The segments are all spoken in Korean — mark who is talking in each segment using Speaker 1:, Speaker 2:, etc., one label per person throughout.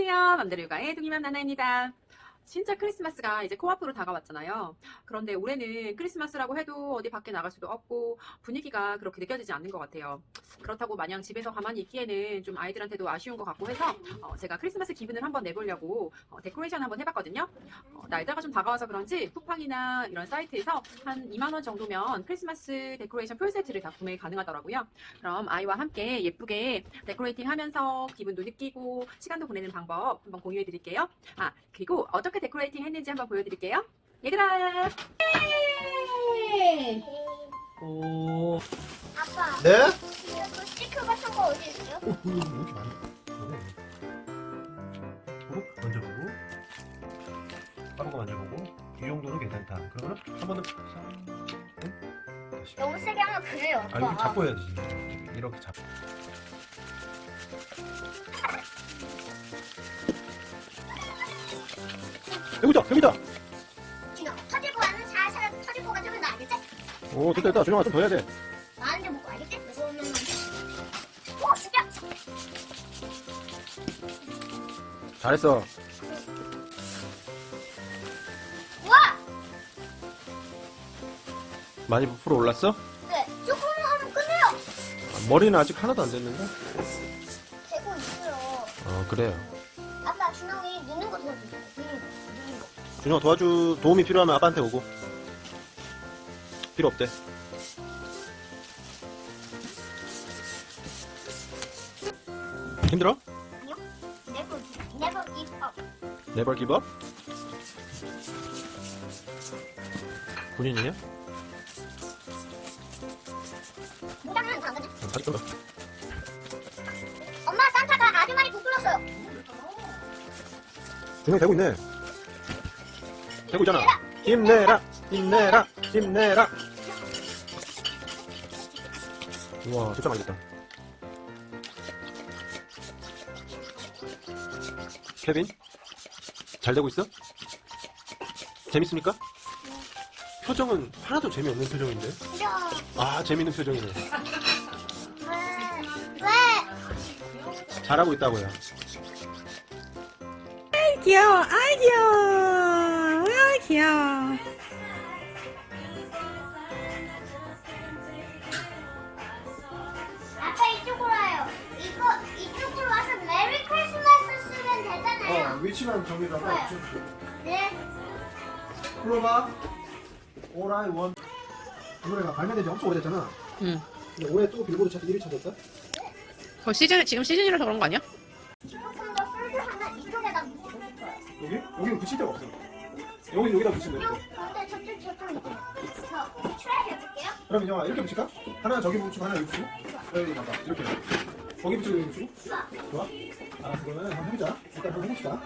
Speaker 1: 안녕하세요. 맘대로 육아의 둥이맘 나나입니다. 진짜 크리스마스가 이제 코앞으로 다가왔잖아요. 그런데 올해는 크리스마스라고 해도 어디 밖에 나갈 수도 없고 분위기가 그렇게 느껴지지 않는 것 같아요. 그렇다고 마냥 집에서 가만히 있기에는 좀 아이들한테도 아쉬운 것 같고 해서 제가 크리스마스 기분을 한번 내보려고 데코레이션 한번 해봤거든요. 날짜가 좀 다가와서 그런지 쿠팡이나 이런 사이트에서 한 2만 원 정도면 크리스마스 데코레이션 풀 세트를 다 구매 가능하더라고요. 그럼 아이와 함께 예쁘게 데코레이팅 하면서 기분도 느끼고 시간도 보내는 방법 한번 공유해 드릴게요. 그리고 어떻게 데코레이팅 했는지 한번 보여드릴게요. 얘들아!
Speaker 2: 오.
Speaker 3: 아빠,
Speaker 2: 네?
Speaker 3: 그 스티커 같은 거 어디 있어요?
Speaker 2: 왜 이렇게 많이? 만져보고, 빠른 거 만져보고, 이 정도는 괜찮다. 그러면 한 번은 다시.
Speaker 3: 너무 세게 하면 그래요, 아빠.
Speaker 2: 이렇게 잡고 해야지. 이렇게 잡고. 여기다.
Speaker 3: 진아, 터질거 하면 살살 터질거 가지고 나 알겠지?
Speaker 2: 오, 됐다. 준영아 좀 더 해야 돼.
Speaker 3: 많은 데 먹고 알겠지? 그러면 오, 진짜.
Speaker 2: 잘했어.
Speaker 3: 우와!
Speaker 2: 많이 부풀어 올랐어?
Speaker 3: 네, 조금만 하면 끝내요.
Speaker 2: 머리는 아직 하나도 안 됐는데?
Speaker 3: 되고 있어요.
Speaker 2: 그래요.
Speaker 3: 아빠, 준영이 넣는 거 도와주세요. 넣는 거.
Speaker 2: 준영아 도움이 필요하면 아빠한테 오고. 필요 없대. 힘들어?
Speaker 3: 아니요. never give up.
Speaker 2: Never give up? 본인이냐?
Speaker 3: 당연히 당근이.
Speaker 2: 다시 끊어.
Speaker 3: 엄마, 산타가 아주 많이 부풀었어요.
Speaker 2: 준영 되고 있네. 되고 있잖아. 힘내라. 우와, 진짜 많이 됐다. 케빈? 잘 되고 있어? 재밌습니까? 표정은 하나도 재미없는 표정인데?
Speaker 3: 싫어.
Speaker 2: 재밌는 표정이네.
Speaker 3: 왜?
Speaker 2: 잘하고 있다고요.
Speaker 1: 귀여워. 귀여워. 귀여워.
Speaker 3: 아빠 이쪽으로 와요. 이쪽으로 와서 메리 크리스마스 쓰면 되잖아요.
Speaker 2: 위치만 정리를
Speaker 3: 좋아요. 네.
Speaker 2: 클로바 All I Want 이 노래가 발매된 지 엄청 오래됐잖아.
Speaker 1: 응.
Speaker 2: 근데 올해 또 빌보드 차트 1위 찾았다?
Speaker 1: 지금 시즌이라서 그런 거 아니야?
Speaker 3: 조금 더 풀드 하면 이쪽에다 붙이고 싶어요.
Speaker 2: 여기? 여기는 붙일 데가 없어. 여기다 붙이면 돼.
Speaker 3: 근데 저쪽 있죠. 저 트라이 해볼게요.
Speaker 2: 그럼 영아 이렇게 붙일까? 하나 저기 붙이고 하나 여기 붙이고 여기 봐봐 이렇게 거기 붙이고 여기 붙이고 좋아? 알았어 그러면 한번 해보자. 일단 한번 해봅시다.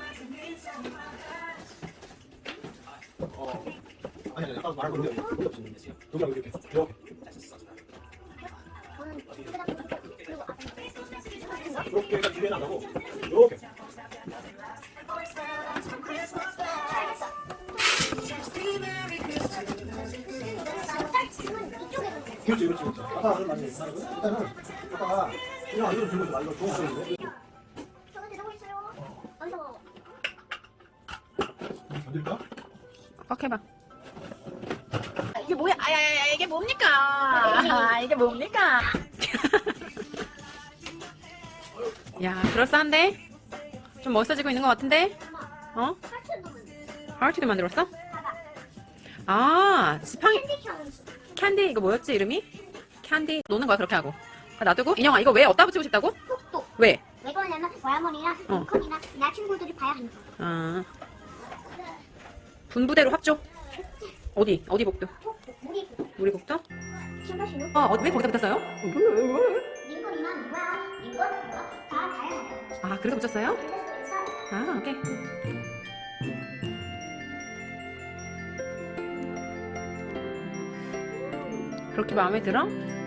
Speaker 2: 아니 아까 말한 건데 여기 붙이는 여기하고 이렇게
Speaker 3: 저는 여기다 그리고 앞에
Speaker 2: 이렇게 해서 뒤에 나가고 이렇게 그렇지. 아빠가 그런 말이 있어. 일단은 아빠가 그냥 이거 들고 좀 이거 좋은 소리인데.
Speaker 3: 저는 되고 있어요. 완성.
Speaker 2: 건들까?
Speaker 1: 꽉 해봐. 이게 뭐야? 이게 뭡니까? 이게 뭡니까? 야, 그럴싸한데? 좀 멋있어지고 있는 것 같은데? 어?
Speaker 3: 하트 넣으면 돼.
Speaker 1: 하울티도 만들었어?
Speaker 3: 봐봐.
Speaker 1: 지팡이,
Speaker 3: 캔디 향수.
Speaker 1: 캔디, 이거 뭐였지, 이름이? 캔디, 노는 거야, 그렇게 하고. 놔두고? 인형아, 이거 왜 어디다 붙이고 싶다고?
Speaker 3: 톡톡.
Speaker 1: 왜?
Speaker 3: 왜 그러냐면 외할머니나 콩이나 나 친구들이 봐야 하니까.
Speaker 1: 분부대로 합조. 어디 복도?
Speaker 3: 톡톡. 우리
Speaker 1: 우리 복도?
Speaker 3: 신발 신고.
Speaker 1: 왜 거기다 붙였어요?
Speaker 3: 링건이나 누구야? 링건 누가 다 다양하다.
Speaker 1: 그래서 붙였어요?
Speaker 3: 그래서
Speaker 1: 오케이. 그렇게 마음에 들어?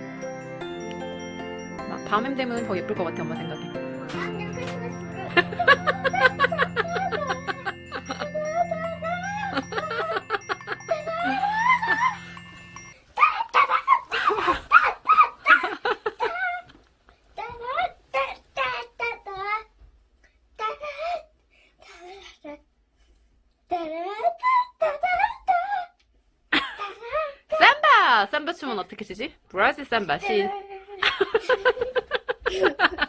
Speaker 1: 밤에 되면 더 예쁠 것 같아, 엄마 생각에.
Speaker 3: 나는 크리스마스를
Speaker 1: 삼바 춤은 어떻게 추지? 브라질 삼바 신.